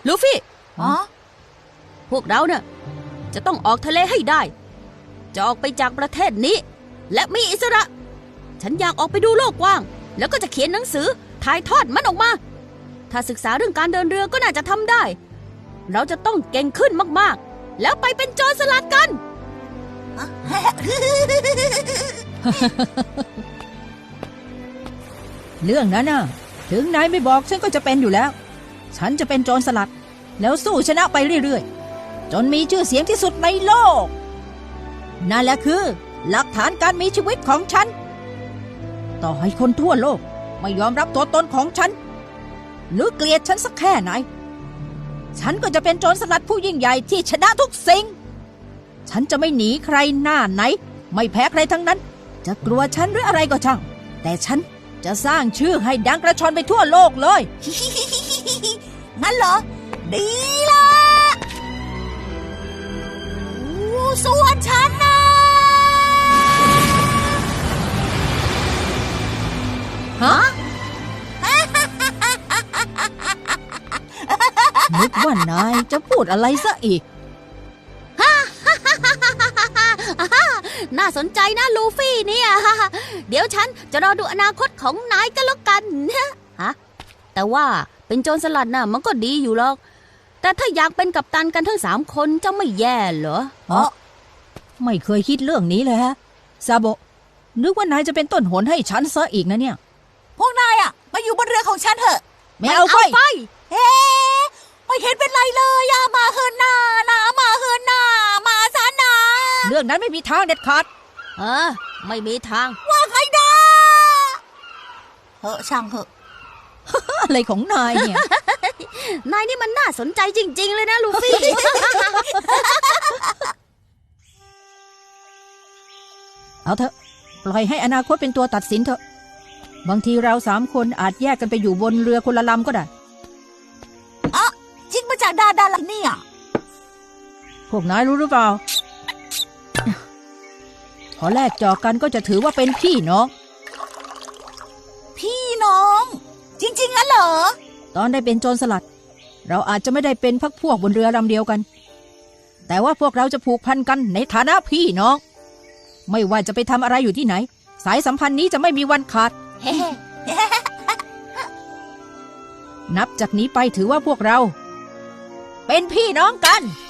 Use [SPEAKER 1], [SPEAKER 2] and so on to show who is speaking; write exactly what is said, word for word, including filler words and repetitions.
[SPEAKER 1] ลูฟี่
[SPEAKER 2] อ๋อ
[SPEAKER 1] พวกเราเนี่ยจะต้องออกทะเลให้ได้จะออกไปจากประเทศนี้ และมีอิสระ ฉันอยากออกไปดูโลกกว้างแล้วก็จะเขียนหนังสือถ่ายทอดมันออกมาถ้าศึกษาเรื่องการเดินเรือก็น่าจะทำได้เราจะต้องเก่งขึ้นมากๆแล้วไปเป็นโจรสลัดกัน
[SPEAKER 3] เรื่องนั้นน่ะถึงนายไม่บอกฉันก็จะเป็นอยู่แล้วฉันจะเป็นโจรสลัดแล้วสู้ชนะไปเรื่อยๆจนมีชื่อเสียงที่สุดในโลกนั่นแหละคือหลักฐานการมีชีวิตของฉันต่อให้คนทั่วโลกไม่ยอมรับตัวตนของฉันหรือเกลียดฉันสักแค่ไหนฉันก็จะเป็นโจรสลัดผู้ยิ่งใหญ่ที่ชนะทุกสิ่งฉันจะไม่หนีใครหน้าไหนไม่แพ้ใครทั้งนั้นจะกลัวฉันหรืออะไรก็ช่างแต่ฉันจะสร้างชื่อให้ดังกระชอนไปทั่วโลกเลย
[SPEAKER 2] งั้นเหรอดีละส่วนฉันนะ
[SPEAKER 3] ฮะ นึกว่านายจะพูดอะไรซะอีก
[SPEAKER 1] น่าสนใจนะลูฟี่เนี่ยเดี๋ยวฉันจะรอดูอนาคตของนายกันแล้วกันฮะแต่ว่าเป็นโจรสลัดน่ะมันก็ดีอยู่หรอกแต่ถ้าอยากเป็นกัปตันกันทั้งสามคนจะไม่แย่เหรอ
[SPEAKER 3] เออไม่เคยคิดเรื่องนี้เลยฮะซาโบะนึกว่านายจะเป็นต้นหนให้ฉันซะอีกนะเนี่ย
[SPEAKER 2] พวกนายอ่ะมาอยู่บนเรือของฉันเถอะ
[SPEAKER 3] ไม่เอาไป
[SPEAKER 2] เฮ้ไม่เห็นเป็นไรเลยอะมาเฮินนานะมาเฮินนามาซานา
[SPEAKER 3] เรื่องนั้นไม่มีทางเด็ดขาด
[SPEAKER 1] เออไม่มีทาง
[SPEAKER 2] ว่าใครนะเฮ้ช่างเหอะ
[SPEAKER 3] อะไรของนายเนี่ย
[SPEAKER 1] นายนี่มันน่าสนใจจริงๆเลยนะลูฟี่
[SPEAKER 3] เอาเถอะปล่อยให้อนาคตเป็นตัวตัดสินเถอะบางทีเราสามคนอาจแยกกันไปอยู่บนเรือคนละลำก็ได้
[SPEAKER 2] อ่ะจริงมาจากดาดาลันเนี่ย
[SPEAKER 3] พวกนายรู้หรือเปล่าพอแลกจอกันก็จะถือว่าเป็นพี่น้อง
[SPEAKER 2] พี่น้องจริงๆงั้นเหรอ
[SPEAKER 3] ตอนได้เป็นโจรสลัดเราอาจจะไม่ได้เป็นพักพวกบนเรือลำเดียวกันแต่ว่าพวกเราจะผูกพันกันในฐานะพี่น้องไม่ว่าจะไปทำอะไรอยู่ที่ไหนสายสัมพันธ์นี้จะไม่มีวันขาด นับจากนี้ไปถือว่าพวกเราเป็นพี่น้องกัน